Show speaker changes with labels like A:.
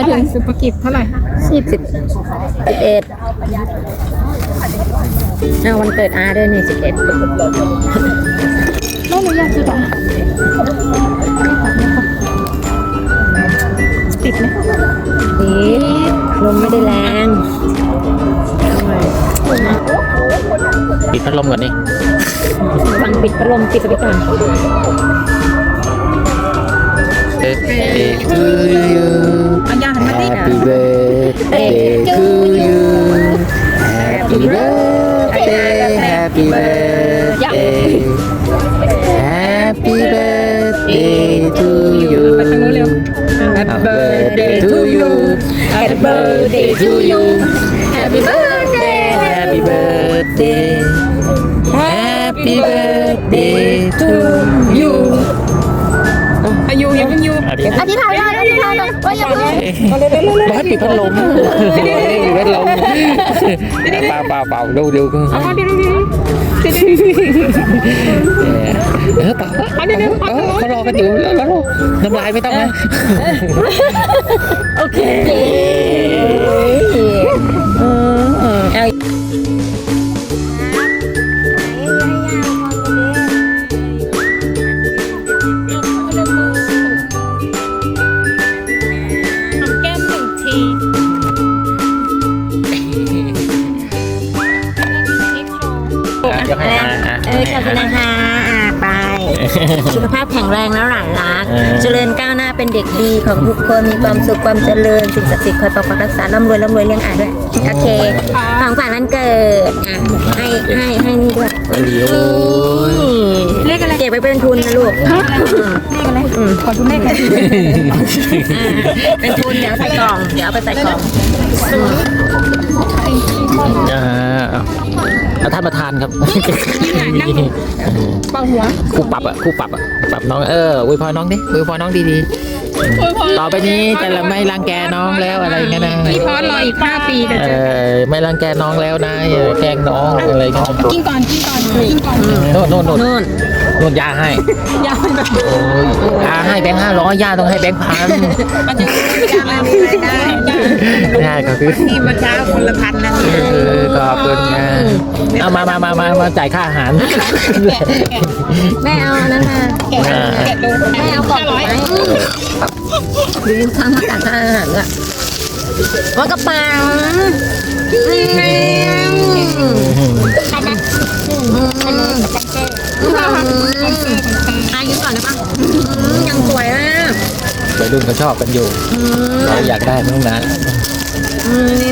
A: ถึงสุภกิจเท่าไหร่คะ
B: 11เอาวันเกิดอาด้วยนี่11
A: ไม่รู้อยากจะบอกติดไหม
B: นี่ลมไม่ได้แรง
C: ปิดพัดลมก่อนนี่
B: ฟังปิดพัดลมปิดไปก่อน
C: Birthday to you
A: เอายาหันมาดิ
C: Happy birthday to you Happy birthday Happy birthday Happy birthday to you
A: ไปทางนู้นเร็ว
C: Happy birthday to you Happy birthday to you Happy birthday Happy birthday Happy birthday to you
A: อายุยังเพิ่งอยู่
B: อธิษฐานได้อธิษฐานได้ว่าอย่าเพิ่ง
C: บ้านปิดพัดลมปิดพัดลมเปล่าดู
A: เอาเดี๋ยว
C: เปล่าเขารอกันอยู่แล้วน้ำลายไม่ต้องนะ
B: โอเคเอา
A: แก้มหนึ่งที
C: เดี๋ยวให้
B: ขอบคุณนะคะไปสุขภาพแข็งแรงแล้วหลานรักเจริญก้าวหน้าเป็นเด็กดีของทุกคนมีความสุขความเจริญสิ่งศักดิ์สิทธิ์คอยปกปักรักษาร่ำรวยเลี้ยงอาด้วยโอเคของฝันวันเกิดให้นี่ด้วย
C: โอ้ย
A: เลขอะไร
B: เก็บไว้เป็นทุนนะลูก
A: เลขอะไรขอดูเลขหน่อย
B: เป็นทุนเดี๋ยวใส่กล่องเดี๋ยวเอาไปใส่กล่อง
C: เอาท่านประธานครับ
A: เป่าหัว
C: คู่ปรับปรับน้องอวยพรน้องดิอวยพรน้องดีๆต่อไปนี้จะไม่รังแกน้องแล้วอะไรเงี้ยนะ
A: พี่พอสรออีก5 ปีเดี๋ยวเจอ
C: ไม่รังแกน้องแล้วนะอย่าแกล้งน้องอะไรเงี้ย
A: กินก่อน
C: โน่นยาให้
A: ยาเป็นแบบ
C: โอ้ยยาให้แบงค์500ย่าต้องให้แบงค์1,000
A: มันจะยาอะไรได้
C: ได้ก็คือ
A: ที่มาเช้าคนละพันนะ
C: ขอบคุณนะเอามาจ่ายค่าอาหาร
B: แม่เอานั่นมา
A: แกะดู
B: แม่เอากล่องไหมดูข้างหน้ากากอาหารอ่ะว่ากระเป๋าอายุก่อนได้ปะยังสวยอ่ะ
C: วัยรุ่นเขาชอบกันอยู่เราอยากได้มั้งนะ
B: นี่